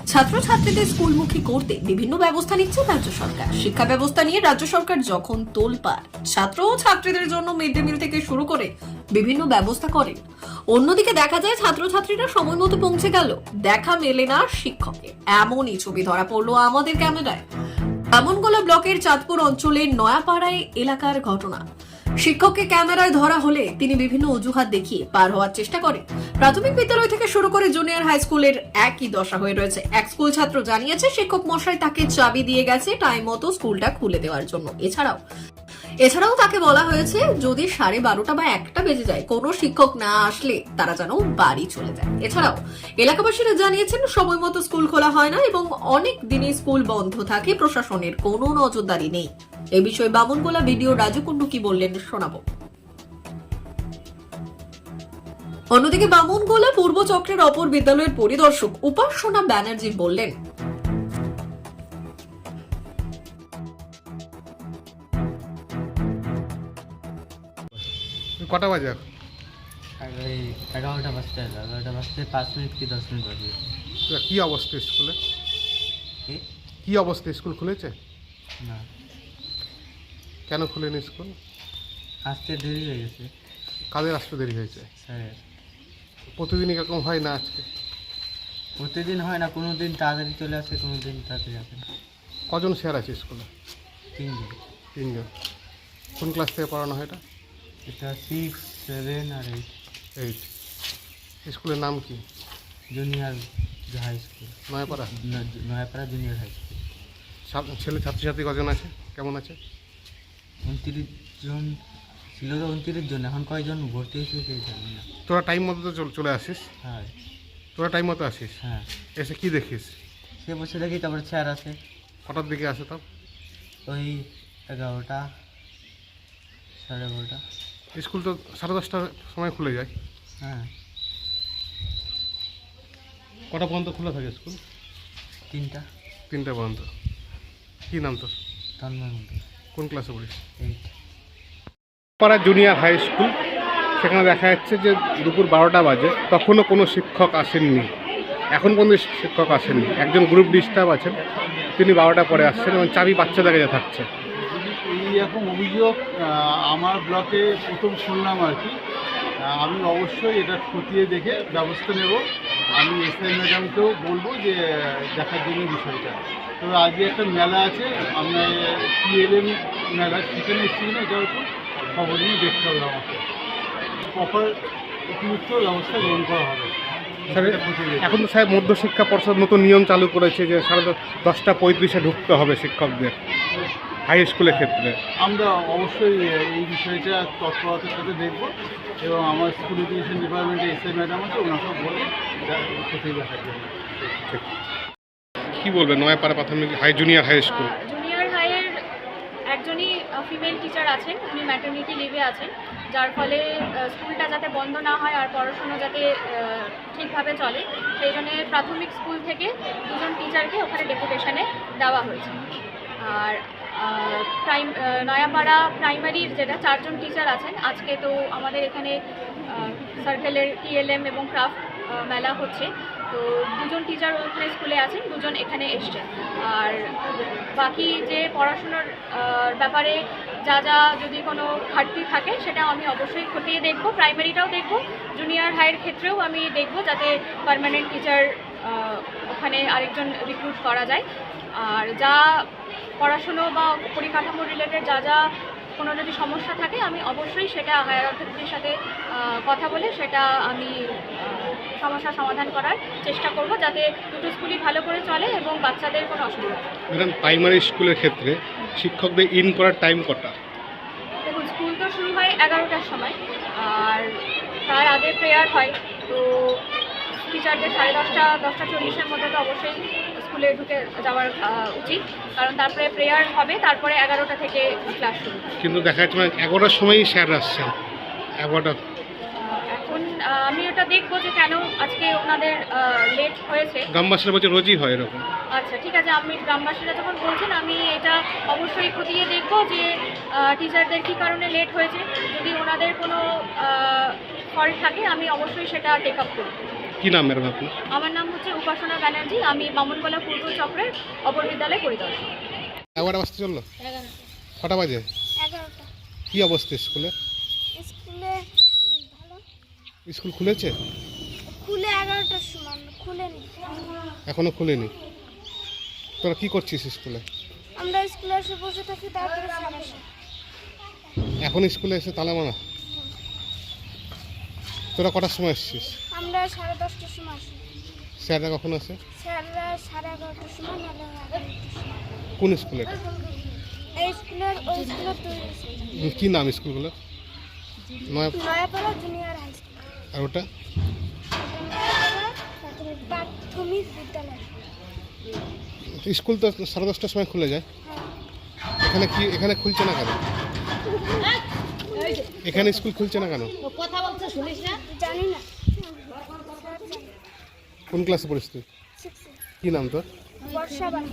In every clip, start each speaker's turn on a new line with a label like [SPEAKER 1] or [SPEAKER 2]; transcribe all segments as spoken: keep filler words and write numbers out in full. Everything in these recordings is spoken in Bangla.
[SPEAKER 1] ছাত্রছাত্রীদের স্কুলমুখী করতে বিভিন্ন ব্যবস্থা নিচ্ছে রাজ্য সরকার। শিক্ষা ব্যবস্থা নিয়ে রাজ্য সরকার যখন তোলপাড়, ছাত্র ও ছাত্রীদের জন্য মিড ডে মিল থেকে শুরু করে বিভিন্ন ব্যবস্থা করেন, অন্যদিকে দেখা যায় ছাত্রছাত্রীরা সময় মতো পৌঁছে গেল, দেখা মেলে না শিক্ষকের। এমনই ছবি ধরা পড়লো আমাদের ক্যামেরায়। বামনগোলা ব্লকের চাঁদপুর অঞ্চলের নয়াপাড়ায় এলাকার ঘটনা। শিক্ষককে ক্যামেরায় ধরা হলে তিনি বিভিন্ন অজুহাত দেখিয়ে পার হওয়ার চেষ্টা করেন। প্রাথমিক বিদ্যালয় থেকে শুরু করে জুনিয়র হাই স্কুলের একই দশা হয়ে রয়েছে। এক স্কুল ছাত্র জানিয়েছে শিক্ষক মশাই তাকে চাবি দিয়ে গেছে টাইম মতো স্কুলটা খুলে দেওয়ার জন্য। এছাড়াও এছাড়াও তাকে বলা হয়েছে যদি সাড়ে বারোটা বা একটা বেজে যায় কোনো শিক্ষক না আসলে তারা যেন বাড়ি চলে যায়। এছাড়াও এলাকাবাসীরা জানিয়েছেন সময় মতো স্কুল খোলা হয় না এবং অনেক দিনই স্কুল বন্ধ থাকে, প্রশাসনের কোনো নজরদারি নেই। এ বিষয়ে বামনগোলা ভিডিও রাজু কুন্ডু কি বললেন শোনাবো। অন্যদিকে বামনগোলা পূর্ব চক্রের অপর বিদ্যালয়ের পরিদর্শক উপাসনা ব্যানার্জি বললেন,
[SPEAKER 2] কটা বাজে এখন?
[SPEAKER 3] এই এগারোটা বাজতে এগারোটা বাজতে পাঁচ মিনিট কি দশ মিনিট বাজে।
[SPEAKER 2] তো কি অবস্থা স্কুলে?
[SPEAKER 3] কি
[SPEAKER 2] কি অবস্থা স্কুল খুলেছে?
[SPEAKER 3] না,
[SPEAKER 2] কেন খুলেনি স্কুল?
[SPEAKER 3] আসতে দেরি হয়ে গেছে
[SPEAKER 2] কাদের আসতে দেরি হয়েছে?
[SPEAKER 3] স্যার।
[SPEAKER 2] প্রতিদিন এরকম হয় না? আজকে
[SPEAKER 3] প্রতিদিন হয় না, কোনো দিন তাড়াতাড়ি চলে আসে, কোনো দিন তাড়াতাড়ি আসে না।
[SPEAKER 2] কজন স্যার আছে স্কুলে?
[SPEAKER 3] তিনজন।
[SPEAKER 2] তিনজন। কোন ক্লাস থেকে পড়ানো হয় এটা?
[SPEAKER 3] এটা সিক্স সেভেন আর এইট।
[SPEAKER 2] এইট। স্কুলের নাম কি?
[SPEAKER 3] Junior high school,
[SPEAKER 2] Nayapara.
[SPEAKER 3] Nayapara junior high school.
[SPEAKER 2] ছাত্র- ছেলে ছাত্রছাত্রী কজন আছে? কেমন আছে?
[SPEAKER 3] উনত্রিশ জন ছিল তো, উনত্রিশ জন। এখন কয়জন ভর্তি হয়েছে সেই জানি না।
[SPEAKER 2] তোরা টাইম মতো তো চল- চলে আসিস?
[SPEAKER 3] হ্যাঁ
[SPEAKER 2] তোরা টাইম মতো আসিস?
[SPEAKER 3] হ্যাঁ।
[SPEAKER 2] এসে কি দেখিস?
[SPEAKER 3] সে বসে দেখি, তারপরে স্যার আছে
[SPEAKER 2] কটার দিকে আসে তাও?
[SPEAKER 3] ওই এগারোটা সাড়ে এগারোটা।
[SPEAKER 2] স্কুল তো সাড়ে দশটার সময় খুলে যায়।
[SPEAKER 3] হ্যাঁ,
[SPEAKER 2] কটা পর্যন্ত খোলা থাকে স্কুল?
[SPEAKER 3] তিনটা।
[SPEAKER 2] তিনটা পর্যন্ত। কী নাম তোর?
[SPEAKER 3] তন্ময় মন্ডল,
[SPEAKER 2] কোন ক্লাসে পড়িস?
[SPEAKER 3] এইট।
[SPEAKER 2] পাড়া জুনিয়র হাই স্কুল, সেখানে দেখা যাচ্ছে যে দুপুর বারোটা বাজে, তখনও কোনো শিক্ষক আসেননি। এখন পর্যন্ত শিক্ষক আসেননি। একজন গ্রুপ ডিস্টার্ব আছেন, তিনি বারোটা পরে আসছেন এবং চাবি বাচ্চাদের কাছে থাকছে।
[SPEAKER 4] এই রকম অভিযোগ আহ, আমার ব্লকে প্রথম শুনলাম আর কি। আহ, আমি অবশ্যই এটা খতিয়ে দেখে ব্যবস্থা নেব। আমি এসআই ম্যাডামকেও বলবো যে দেখার জন্য বিষয়টা। তবে আজকে একটা মেলা আছে, আপনার টিএলএম মেলা, সেখানে এসেছি না, এটা একটু খবর নিয়ে দেখতে হবে আমাকে। প্রপার উপযুক্ত ব্যবস্থা গ্রহণ করা হবে।
[SPEAKER 2] স্যার,
[SPEAKER 4] এটা খতিয়ে দেখতে।
[SPEAKER 2] এখন তো সাহেব মধ্যশিক্ষা পর্ষদ নতুন নিয়ম চালু করেছে যে সাড়ে দশ- দশটা পঁয়ত্রিশে ঢুকতে হবে শিক্ষকদের হাই স্কুলের ক্ষেত্রে।
[SPEAKER 4] আমরা অবশ্যই এই বিষয়টা তৎপরতার সাথে দেখব এবং আমার স্কুল এডুকেশন ডিপার্টমেন্টে এসআই ম্যাডাম আছে, ওনাকে বলে কোথায় দেখার জন্য।
[SPEAKER 2] কি বলবেন নয়াপাড়া প্রাথমিক high junior high school?
[SPEAKER 5] Junior হাইয়ের একজনই ফিমেল টিচার আছেন, উনি ম্যাটারনিটি লিভে আছেন, যার ফলে আহ, স্কুলটা যাতে বন্ধ না হয় আর পড়াশুনো যাতে আহ, ঠিকভাবে চলে সেই জন্য প্রাথমিক স্কুল থেকে দুজন টিচারকে ওখানে ডেপুটেশনে দেওয়া হয়েছে। আর আহ, প্রাইম আহ, নয়াপাড়া প্রাইমারির যেটা চারজন টিচার আছেন, আজকে তো আমাদের এখানে সার্কেলের টিএলএম এবং ক্রাফট মেলা হচ্ছে, তো দুজন টিচার ওখানে স্কুলে আছেন, দুজন এখানে এসছেন। আর বাকি যে পড়াশুনোর আহ, ব্যাপারে যা যা যদি কোনো ঘাটতি থাকে সেটা আমি অবশ্যই খতিয়ে দেখব। প্রাইমারিটাও দেখব, জুনিয়র হাইয়ের ক্ষেত্রেও আমি দেখব যাতে পার্মানেন্ট টিচার ওখানে আরেকজন রিক্রুট করা যায়। আর যা পড়াশুনো বা পরিকাঠামো রিলেটেড যা যা কোনো যদি সমস্যা থাকে আমি অবশ্যই সেটা হায়ার অথরিটির সাথে আহ, কথা বলে সেটা আমি আহ, সমস্যা সমাধান করার চেষ্টা করব যাতে দুটো স্কুলই ভালো করে চলে এবং বাচ্চাদের কোনো অসুবিধা হয় না।
[SPEAKER 2] ম্যাডাম, প্রাইমারি স্কুলের ক্ষেত্রে শিক্ষকদের ইন করার টাইম কটা?
[SPEAKER 5] দেখুন, স্কুল তো শুরু হয় এগারোটার সময় আর তার আগে প্রেয়ার হয়, তো টিচারদের সাড়ে দশটা দশটা চল্লিশের মধ্যে তো অবশ্যই স্কুলে ঢুকে যাওয়ার আহ, উচিত, কারণ তারপরে প্রেয়ার হবে, তারপরে এগারোটা থেকে ক্লাস শুরু।
[SPEAKER 2] কিন্তু দেখা যাচ্ছে মানে এগারোটার সময়ই স্যার আসছেন। এগারোটা
[SPEAKER 5] আহ, এখন আহ, আমি ওটা দেখবো যে কেন আজকে ওনাদের লেট হয়েছে।
[SPEAKER 2] গ্রামবাসীরা বলছে রোজই হয় এরকম।
[SPEAKER 5] আচ্ছা, ঠিক আছে, আমি গ্রামবাসীরা যখন বলছেন আমি এটা অবশ্যই খতিয়ে দেখবো যে টিচারদের কী কারণে লেট হয়েছে। যদি ওনাদের কোনো ফল্ট থাকে আমি অবশ্যই সেটা টেক আপ করব।
[SPEAKER 2] কি নাম ম্যাডাম আপনি?
[SPEAKER 5] আমার নাম হচ্ছে উপাসনা ব্যানার্জি, আমি মামুনকলা পূর্ব চক্রের অপর বিদ্যালয় পরিদর্শক।
[SPEAKER 2] এগারোটা বাজতে চললো? কটা বাজে?
[SPEAKER 6] এগারোটা।
[SPEAKER 2] কি অবস্থা স্কুলে?
[SPEAKER 6] স্কুলে ভালো,
[SPEAKER 2] স্কুল খুলেছে?
[SPEAKER 6] খুলে এগারোটার সময় খুলেনি।
[SPEAKER 2] এখনো খুলেনি। তোরা কি করছিস স্কুলে?
[SPEAKER 6] আমরা স্কুলে এসে বসে থাকি, তারপরে স্যার আসে।
[SPEAKER 2] এখন স্কুলে এসে তালা মারা? তোরা কটার সময় এসছিস?
[SPEAKER 6] আমরা সাড়ে দশটার সময় আসি।
[SPEAKER 2] স্যাররা কখন আসে?
[SPEAKER 6] স্যাররা সাড়ে এগারোটার সময়, নাহলে এগারোটার সময়।
[SPEAKER 2] কোন স্কুলে?
[SPEAKER 6] এই স্কুলের ওই স্কুলের তৈরি
[SPEAKER 2] উম, কি নাম স্কুলগুলো? নয়
[SPEAKER 6] নয়াপাড়া জুনিয়র হাই স্কুল,
[SPEAKER 2] আর ওটা?
[SPEAKER 6] প্রাথমিক বিদ্যালয়।
[SPEAKER 2] স্কুল তো সাড়ে দশটার সময় খুলে যায়। এখানে কি এখানে খুলছে না কেন? এখানে স্কুল খুলছে না কেন?
[SPEAKER 6] জানি না।
[SPEAKER 2] কোন ক্লাসে পড়িস তুই?
[SPEAKER 6] সিক্সে।
[SPEAKER 2] কি নাম তোর?
[SPEAKER 6] বর্ষা বাড়ি।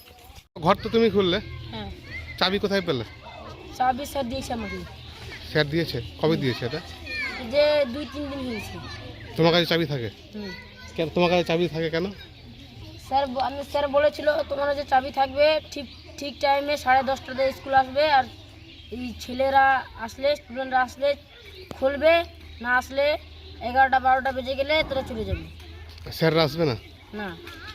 [SPEAKER 2] ঘর তো তুমি খুললে,
[SPEAKER 7] হ্যাঁ,
[SPEAKER 2] চাবি কোথায় পেলে?
[SPEAKER 7] চাবি স্যার দিয়েছে আমাকে।
[SPEAKER 2] স্যার দিয়েছে? কবে দিয়েছে এটা?
[SPEAKER 7] যে দুই তিন দিন হয়েছে।
[SPEAKER 2] তোমার কাছে চাবি থাকে?
[SPEAKER 7] হুম।
[SPEAKER 2] কেন তোমার কাছে চাবি থাকে কেন?
[SPEAKER 7] স্যার ব- আমি স্যার বলেছিল তোমার যে চাবি থাকবে ঠিক ঠিক টাইমে সাড়ে দশটাতে স্কুল আসবে, আর এই ছেলেরা আসলে স্টুডেন্টরা আসলে খুলবে, না আসলে এগারোটা বারোটা বেজে গেলে তোরা চলে যাবে।
[SPEAKER 2] স্যাররা আসবে না?
[SPEAKER 7] না,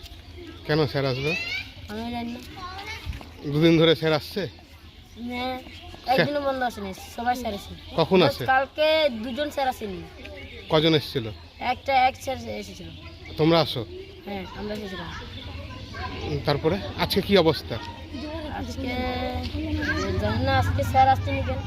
[SPEAKER 2] কেন স্যার আসবে?
[SPEAKER 7] আমি জানি না।
[SPEAKER 2] দুদিন ধরে স্যার আসছে?
[SPEAKER 7] মানে একদিনও বন্ধ আসেনি, সবাই স্যার এসে।
[SPEAKER 2] কখন আসে?
[SPEAKER 7] কালকে দুজন স্যার আসেনি,
[SPEAKER 2] কজন এসেছিল?
[SPEAKER 7] একটা এক স্যার এসেছিল।
[SPEAKER 2] তোমরা আসো?
[SPEAKER 7] হ্যাঁ, আমরা এসেছিলাম।
[SPEAKER 2] উম, তারপরে আজকে কি অবস্থা?
[SPEAKER 7] আজকে জানি না, আজকে স্যার আসছেনি কেন।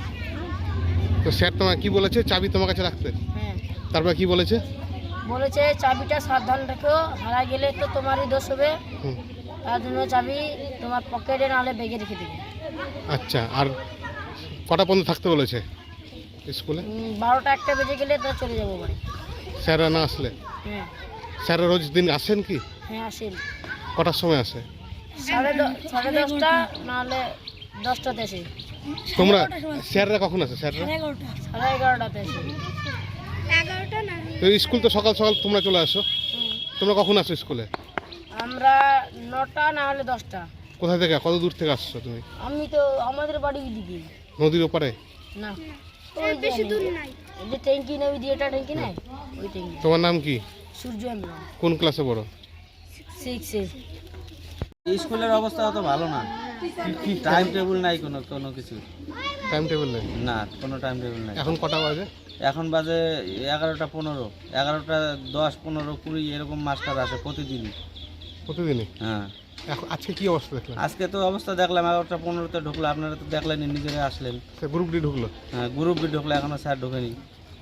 [SPEAKER 2] তো স্যার তোমার কি বলেছে? চাবি তোমার কাছে রাখতে?
[SPEAKER 7] হ্যাঁ,
[SPEAKER 2] তারপরে কি বলেছে?
[SPEAKER 7] বলেছে চাবিটা সাবধান রাখো, হারা গেলে তো তোমারই দোষ হবে,
[SPEAKER 2] হুম,
[SPEAKER 7] তার জন্য চাবি তোমার পকেটে নাহলে ব্যাগে রেখে দেবে।
[SPEAKER 2] আচ্ছা, আর কটা পর্যন্ত থাকতে বলেছে স্কুলে?
[SPEAKER 7] উম, বারোটা একটা বেজে গেলে তো চলে যাবো বাড়ি।
[SPEAKER 2] স্যাররা না আসলে?
[SPEAKER 7] হ্যাঁ,
[SPEAKER 2] স্যাররা রোজ দিন আসেন কি?
[SPEAKER 7] হ্যাঁ আসেন।
[SPEAKER 2] কটার সময় আসে?
[SPEAKER 7] সাড়ে দ- সাড়ে দশটা নাহলে দশটাতে আসে,
[SPEAKER 2] তোমরা স্যাররা কখন আসে? স্যাররা
[SPEAKER 7] সাড়ে এগারোটাতে আসে।
[SPEAKER 6] এগারোটা না,
[SPEAKER 2] তো স্কুল তো সকাল সকাল তোমরা চলে আসো,
[SPEAKER 7] হুম,
[SPEAKER 2] তোমরা কখন আসো স্কুলে?
[SPEAKER 7] আমরা নটা না হলে দশটা।
[SPEAKER 2] কোথায় থেকে, কত দূর থেকে আসছো তুমি?
[SPEAKER 7] আমি তো আমাদের বাড়ি দিকে
[SPEAKER 2] নদীর ওপারে?
[SPEAKER 7] না,
[SPEAKER 6] ওই বেশি দূর নাই।
[SPEAKER 7] ওই যে ট্যাঙ্কি নেই, ওই দিয়ে এটা ট্যাঙ্কি নেই, ওই ট্যাঙ্কি।
[SPEAKER 2] তোমার নাম কি?
[SPEAKER 7] সূর্য আমরা
[SPEAKER 2] কোন ক্লাসে পড়ো?
[SPEAKER 7] সিক্সে।
[SPEAKER 3] স্কুলের অবস্থা অত ভালো না, টাইম টেবিল নাই কোনো কোনো কিছু,
[SPEAKER 2] টাইম টেবিল নেই?
[SPEAKER 3] না কোনো টাইম টেবিল নাই।
[SPEAKER 2] এখন কটা বাজে?
[SPEAKER 3] এখন বাজে এগারোটা পনেরো, এগারোটা দশ পনেরো কুড়ি এরকম মাস্টার আসে প্রতিদিনই।
[SPEAKER 2] প্রতিদিনই?
[SPEAKER 3] হ্যাঁ,
[SPEAKER 2] এখন আজকে কি অবস্থা দেখলাম?
[SPEAKER 3] আজকে তো অবস্থা দেখলাম এগারোটা পনেরোতে ঢুকলো, আপনারা তো দেখলেন, নিজেরা আসলেন।
[SPEAKER 2] সে গ্রুপ ডি ঢুকলো?
[SPEAKER 3] হ্যাঁ, গ্রুপ বি ঢুকলো, এখনো স্যার ঢোকেনি।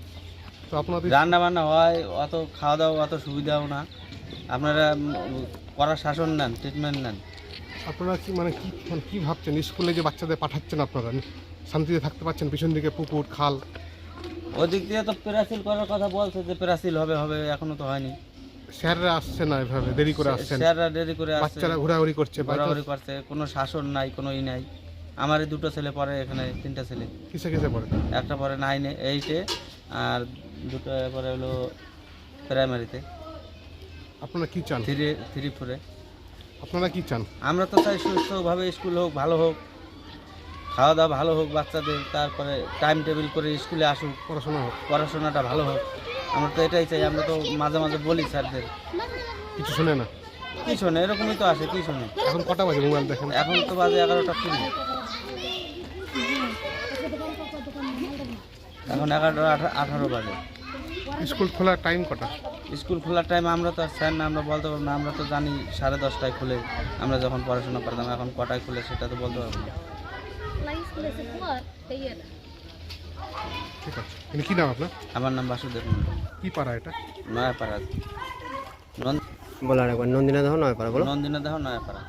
[SPEAKER 2] তো আপনাদের
[SPEAKER 3] রান্না বান্না হয়, অত খাওয়া দাওয়া অত সুবিধাও না। আপনারা উম, কড়া শাসন নেন, ট্রিটমেন্ট নেন।
[SPEAKER 2] আপনারা কি মানে কি মানে কি ভাবছেন? স্কুলে যে বাচ্চাদের পাঠাচ্ছেন আপনারা শান্তিতে থাকতে পারছেন? পিছন দিকে পুকুর খাল।
[SPEAKER 3] ওই দিক দিয়ে তো প্যারাসিল করার কথা বলছে, যে প্যারাসিল হবে হবে, এখনো তো হয়নি।
[SPEAKER 2] স্যাররা আসছে না, এভাবে দেরি করে আসছেন,
[SPEAKER 3] স্যাররা দেরি করে আসছে,
[SPEAKER 2] বাচ্চারা ঘোরাঘুরি করছে,
[SPEAKER 3] ঘোরাঘুরি করছে, কোনো শাসন নাই, কোনো ই নাই। আমারই দুটো ছেলে পড়ে এখানে, তিনটা ছেলে,
[SPEAKER 2] কিসে কিসে পড়ে?
[SPEAKER 3] একটা পরে নাইনে এইটে, আর দুটো পরে হলো প্রাইমারিতে,
[SPEAKER 2] আপনারা কি চান?
[SPEAKER 3] থ্রি থ্রি ফোরে।
[SPEAKER 2] আপনারা কি চান?
[SPEAKER 3] আমরা তো চাই সুস্থভাবে স্কুল হোক, ভালো হোক, খাওয়া দাওয়া ভালো হোক বাচ্চাদের, তারপরে টাইম টেবিল করে স্কুলে আসুক,
[SPEAKER 2] পড়াশোনা হোক,
[SPEAKER 3] পড়াশোনাটা ভালো হোক। আমরা তো এটাই চাই। আমরা তো মাঝে মাঝে বলি স্যারদের,
[SPEAKER 2] কিছু শোনে না।
[SPEAKER 3] কি শোনে, এরকমই তো আসে, কি শোনে।
[SPEAKER 2] এখন কটা বাজে মোবাইল দেখেন?
[SPEAKER 3] এখন তো বাজে এগারোটা কুড়ি, এখন এগারোটা আঠা- আঠারো বাজে।
[SPEAKER 2] স্কুল খোলার টাইম কটা?
[SPEAKER 3] স্কুল খোলার টাইম আমরা তো আর স্যার না, আমরা বলতে পারবো না। আমরা তো জানি সাড়ে দশটায় খুলে, আমরা যখন পড়াশোনা করতাম। এখন কটায় খুলে সেটা তো বলতে পারবো না।
[SPEAKER 2] ঠিক আছে। কিন্তু কি নাম আপনার?
[SPEAKER 3] আমার নাম বাসুদেব মন্ডল,
[SPEAKER 2] কি পাড়া এটা?
[SPEAKER 3] নয়াপাড়া।
[SPEAKER 8] বলার একবার নন্দিনা দাও নয় পারা বলো।
[SPEAKER 3] নন্দিনা দেহ নয়াপাড়া।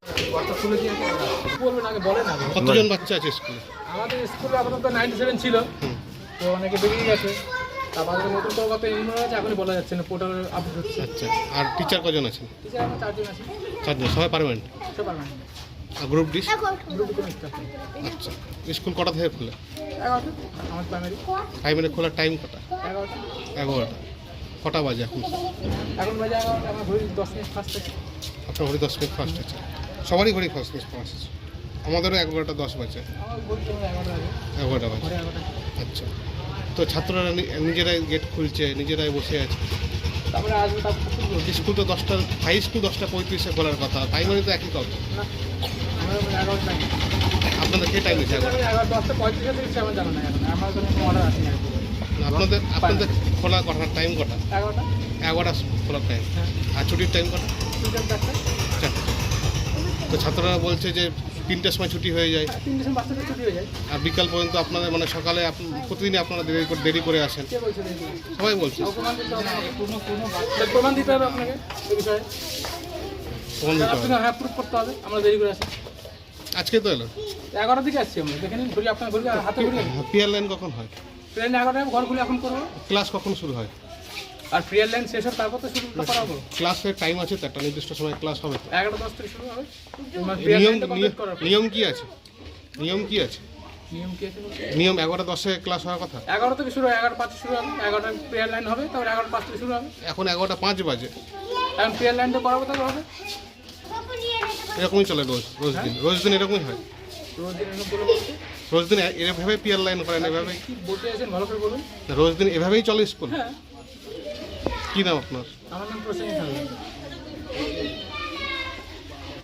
[SPEAKER 2] কতজন বাচ্চা আছে স্কুলে?
[SPEAKER 9] আমাদের স্কুলে আপাতত নাইনটি সেভেন ছিল, তো অনেকে বেরিয়ে গেছে। তারপর নতুন করে কত ইউনিয়ন আছে এখনই বলা যাচ্ছে না, পোর্টাল আপডেট হচ্ছে।
[SPEAKER 2] আচ্ছা, আর টিচার কজন আছেন?
[SPEAKER 9] টিচার আমরা চারজন আছি,
[SPEAKER 2] চারজন, সবাই পারবেন?
[SPEAKER 9] সব পারবেন।
[SPEAKER 2] আর গ্রুপ ডিস?
[SPEAKER 9] গ্রুপে কোনো স্টাফ নেই।
[SPEAKER 2] আচ্ছা, স্কুল কটা থেকে খোলে?
[SPEAKER 9] এগারোটা আমার প্রাইমারি,
[SPEAKER 2] প্রাইমারি খোলার টাইম কটা?
[SPEAKER 9] এগারোটা।
[SPEAKER 2] এগারোটা। কটা বাজে এখন?
[SPEAKER 9] এখন বাজে এগারোটা, আমার ঘড়ি দশ মিনিট ফার্স্ট আছে।
[SPEAKER 2] আপনার ঘড়ি দশ মিনিট ফার্স্ট আছে, সবারই ঘড়ি ফার্স্ট মিনিট ফার্স্ট আছে। আমাদেরও এগারোটা দশ বাজে,
[SPEAKER 9] আমার ঘড়ি তো এগারোটা বাজে,
[SPEAKER 2] এগারোটা বাজে।
[SPEAKER 9] ঘড়ি এগারোটা।
[SPEAKER 2] আচ্ছা, তো ছাত্ররা নি- নিজেরাই গেট খুলছে, নিজেরাই বসে আছে।
[SPEAKER 9] তারপরে আসবে, তারপর শুরু করবো।
[SPEAKER 2] স্কুল তো দশটা, হাই স্কুল দশটা পঁয়ত্রিশে খোলার কথা, প্রাইমারি তো একই কথা।
[SPEAKER 9] না, আমরা এগারোটা নাকি
[SPEAKER 2] আপনাদের কে টাইম দিচ্ছে এখন?
[SPEAKER 9] এগারো দশটা পঁয়ত্রিশে দিচ্ছে, আমার জানা নাই এখন, আমার কোনো অর্ডার আসেনি আর কি।
[SPEAKER 2] আপনাদের আপনাদের খোলা কটার টাইম কটা?
[SPEAKER 9] এগারোটা,
[SPEAKER 2] এগারোটা খোলার টাইম,
[SPEAKER 9] হ্যাঁ,
[SPEAKER 2] আর ছুটির টাইম কটা?
[SPEAKER 9] তিনটে চারটে,
[SPEAKER 2] চারটে। তো ছাত্ররা বলছে যে তিনটের সময় ছুটি হয়ে যায়,
[SPEAKER 9] হ্যাঁ, তিনটে সময় বাচ্চাদের ছুটি হয়ে যায়।
[SPEAKER 2] আর বিকাল পর্যন্ত আপনাদের মানে সকালে আপ- প্রতিদিনই আপনারা দেরি করে দেরি করে আসেন,
[SPEAKER 9] কে বলছে দেখি?
[SPEAKER 2] সবাই বলছে।
[SPEAKER 9] প্রমাণ দিতে হবে আমাকে, তাহলে প্রমাণ দিতে হবে আপনাকে এই বিষয়ে।
[SPEAKER 2] প্রমাণ দিতে
[SPEAKER 9] আপনি
[SPEAKER 2] হবে।
[SPEAKER 9] হ্যাঁ প্রুফ করতে হবে, আমরা দেরি করে আসি।
[SPEAKER 2] আজকে তো এলো,
[SPEAKER 9] এগারোটার দিকে আসছি আমরা, দেখে নিন ঘড়ি, আপনার ঘড়ি হাতে ঘড়ি আছে।
[SPEAKER 2] পিয়ার লাইন কখন হয়?
[SPEAKER 9] ট্রেন এগারোটায় ঘর খুলে এখন করবো,
[SPEAKER 2] ক্লাস কখন শুরু হয়?
[SPEAKER 9] আর প্রিয়ার লাইন শেষ হবে তারপর তো শুরু করাবো।
[SPEAKER 2] ক্লাসের টাইম আছে তো, একটা নির্দিষ্ট সময় ক্লাস হবে তো।
[SPEAKER 9] এগারোটা দশ থেকে শুরু হবে, তোমার প্রিয়ার
[SPEAKER 2] নিয়ম
[SPEAKER 9] লাইনটা কমপ্লিট করার পর।
[SPEAKER 2] নিয়ম কি আছে? নিয়ম কি আছে?
[SPEAKER 9] নিয়ম কি আছে বলতে?
[SPEAKER 2] নিয়ম এগারোটা দশে ক্লাস হওয়ার কথা,
[SPEAKER 9] এগারো থেকে শুরু হয়, এগারো পাঁচে শুরু হবে, এগারোটায় প্রিয়ার লাইন হবে, তারপর এগারো পাঁচ থেকে শুরু হবে।
[SPEAKER 2] এখন এগারোটা পাঁচ বাজে,
[SPEAKER 9] এখন প্রিয়ার লাইনটা করাবো তারপর হবে।
[SPEAKER 2] এরকমই চলে রোজ রোজ দিন রোজ দিন এরকমই হয়।
[SPEAKER 9] রোজ দিন এরকম বলে বলতে
[SPEAKER 2] রোজ দিন এ- এভাবে পিয়ার লাইন করেন, এভাবেই
[SPEAKER 9] কি বলতে চাইছেন ভালো করে বলুন।
[SPEAKER 2] রোজ দিন এভাবেই চলে স্কুল?
[SPEAKER 9] হ্যাঁ,
[SPEAKER 2] কি নাম আপনার?
[SPEAKER 9] আমার নাম প্রসেনজিৎ হালদার।